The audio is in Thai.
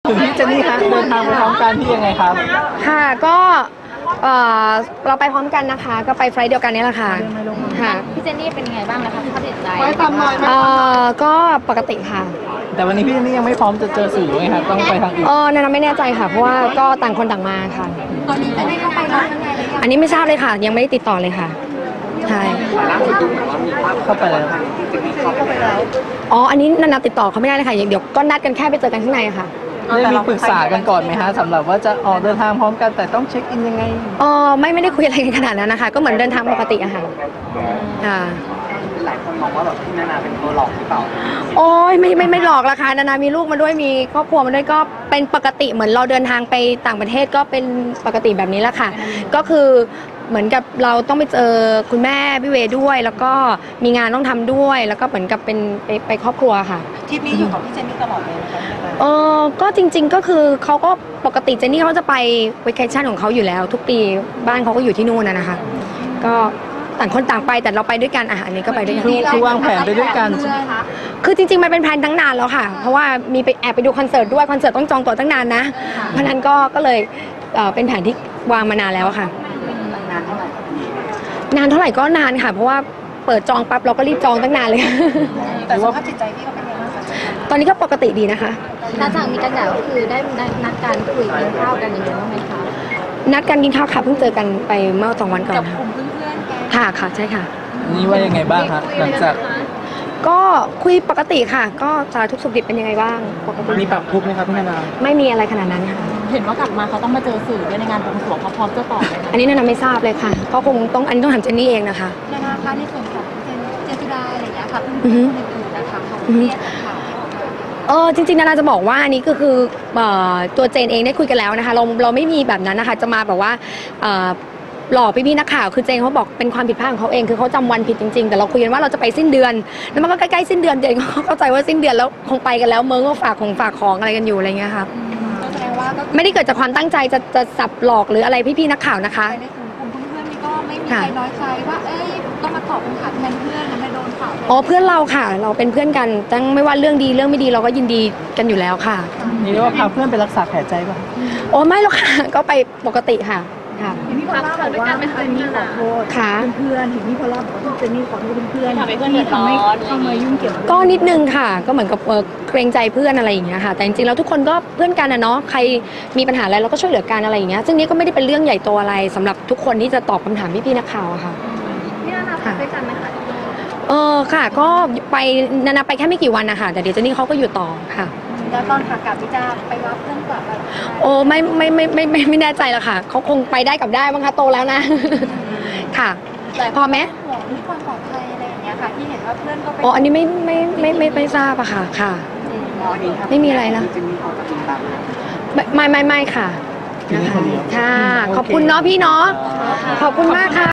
ถึงพี่เจนนี่คะเดินทางไปพร้อมกันที่ยังไงครับค่ะก็เราไปพร้อมกันนะคะก็ไปไฟล์เดียวกันนี่แหละค่ะพี่เจนนี่เป็นยังไงบ้างนะคะสภาพจิตใจก็ปกติค่ะแต่วันนี้พี่เจนนี่ยังไม่พร้อมจะเจอสื่อไงครับต้องไปทางอื่นนาไม่แน่ใจค่ะเพราะว่าก็ต่างคนต่างมาค่ะตอนนี้จะได้เข้าไปแล้วยังไงอันนี้ไม่ทราบเลยค่ะยังไม่ได้ติดต่อเลยค่ะใช่เข้าไปแล้วอันนี้นาติดต่อเขาไม่ได้เลยค่ะเดี๋ยวก็นัดกันแค่ไปเจอกันข้างในค่ะได้มีปรึกษากันก่อนไหมฮะสำหรับว่าจะออกเดินทางพร้อมกันแต่ต้องเช็คอินยังไงไม่ได้คุยอะไรกันขนาดนั้นนะคะก็เหมือนเดินทางปกติอะค่ะหลายคนมองว่าแบบพี่นานาเป็นตัวหลอกหรือเปล่าโอ้ยไม่หลอกละค่ะนานามีลูกมาด้วยมีครอบครัวมาด้วยก็เป็นปกติเหมือนเราเดินทางไปต่างประเทศก็เป็นปกติแบบนี้แหละค่ะก็คือเหมือนกับเราต้องไปเจอคุณแม่พี่เวด้วยแล้วก็มีงานต้องทำด้วยแล้วก็เหมือนกับเป็นไปครอบครัวค่ะทริปนี้อยู่กับพี่เจนนี่ตลอดเลยนะคะก็จริงๆก็คือเขาก็ปกติเจนนี่เขาจะไปเวเคชั่นของเขาอยู่แล้วทุกปีบ้านเขาก็อยู่ที่นู่นนะคะก็ต่างคนต่างไปแต่เราไปด้วยกันอันนี้ก็ไปด้วยกันคือวางแผนไปด้วยกันใช่ไหมคะคือจริงๆมันเป็นแผนตั้งนานแล้วค่ะเพราะว่ามีไปแอบไปดูคอนเสิร์ตด้วยคอนเสิร์ตต้องจองตั๋วตั้งนานนะเพราะนั้นก็เลยเป็นแผนที่วางมานานแล้วค่ะนานเท่าไหร่ก็นานค่ะเพราะว่าเปิดจองปั๊บเราก็รีบจองตั้งนานเลยแต่สภาพจิตใจพี่ก็เป็นยังไงบ้างคะตอนนี้ก็ปกติดีนะคะหลังจากมีกันแล้วก็คือได้นัดการคุยกินข้าวกันอย่างเงี้ยบ้างไหมคะนัดกันกินข้าวค่ะเพิ่งเจอกันไปเมื่อ2 วันก่อนกับกลุ่มเพื่อนๆค่ะใช่ค่ะนี่ว่ายังไงบ้างคะหลังจากก็คุยปกติค่ะก็สารทุกสุขดิบเป็นยังไงบ้างปกติมีปรับทุกไหมครับพี่นานาไม่มีอะไรขนาดนั้นค่ะเห็นว่ากลับมาเขาต้องมาเจอสื่อด้วยในงานบวงสรวงเขาพร้อมจะตอบไหมอันนี้นาไม่ทราบเลยค่ะก็คงต้องอันนี้ต้องถามเจนนี่เองนะคะนะคะในส่วนของเจนสุดาอะไรอย่างเงี้ยค่ะเพื่อนๆคนอื่นๆนะคะเขาเรียกข่าวจริงๆนาจะบอกว่าอันนี้ก็คือตัวเจนเองได้คุยกันแล้วนะคะเราไม่มีแบบนั้นนะคะจะมาแบบว่าหลอกพี่นักข่าวคือเจนเขาบอกเป็นความผิดพลาดของเขาเองคือเขาจำวันผิดจริงๆแต่เราคุยกันว่าเราจะไปสิ้นเดือนแล้วมันก็ใกล้ๆสิ้นเดือนเจนเขาเข้าใจว่าสิ้นเดือนแล้วคงไปกันแล้วเมืองก็ฝากของอะไรกันอยู่อะไรเงี้ยค่ะแสดงว่าไม่ได้เกิดจากความตั้งใจจะสับหลอกหรืออะไรพี่นักข่าวนะคะในกลุ่มเพื่อนๆนี่ก็ไม่มีใครน้อยใจว่าต้องมาตอบคำถามแทนเพื่อนนะไม่โดนข่าวเพื่อนเราค่ะเราเป็นเพื่อนกันตั้งไม่ว่าเรื่องดีเรื่องไม่ดีเราก็ยินดีกันอยู่แล้วค่ะนี่เรียกว่าพาเพื่อนไปรักษาแผลใจป่ะไม่หรอกค่ะก็ไปปกติค่ะพี่พอลล่าบอกว่าเจนนี่ขอโทษเพื่อนเห็นพี่พอลล่าบอกว่าเจนนี่ขอโทษเพื่อนที่ทำให้เข้ามายุ่งเกี่ยวก็นิดนึงค่ะก็เหมือนกับเกรงใจเพื่อนอะไรอย่างเงี้ยค่ะแต่จริงๆแล้วทุกคนก็เพื่อนกันนะเนาะใครมีปัญหาอะไรเราก็ช่วยเหลือกันอะไรอย่างเงี้ยซึ่งนี้ก็ไม่ได้เป็นเรื่องใหญ่โตอะไรสำหรับทุกคนที่จะตอบคำถามพี่นักข่าวอะค่ะนี่นาไปด้วยกันไหมคะค่ะก็ไปนาไปแค่ไม่กี่วันนะคะแต่เดี๋ยวเจนนี่เขาก็อยู่ต่อค่ะแล้วตอนขากลับพี่จะไปรับเพื่อนกลับอะไรไม่แน่ใจละค่ะเขาคงไปได้กลับได้มั้งคะโตแล้วนะค่ะพอไหมห่วงเรื่องความปลอดภัยอะไรอย่างเงี้ยค่ะที่เห็นว่าเพื่อนก็ไปอันนี้ไม่ทราบอะค่ะไม่มีอะไรนะไม่ค่ะค่ะขอบคุณเนาะพี่เนาะขอบคุณมากค่ะ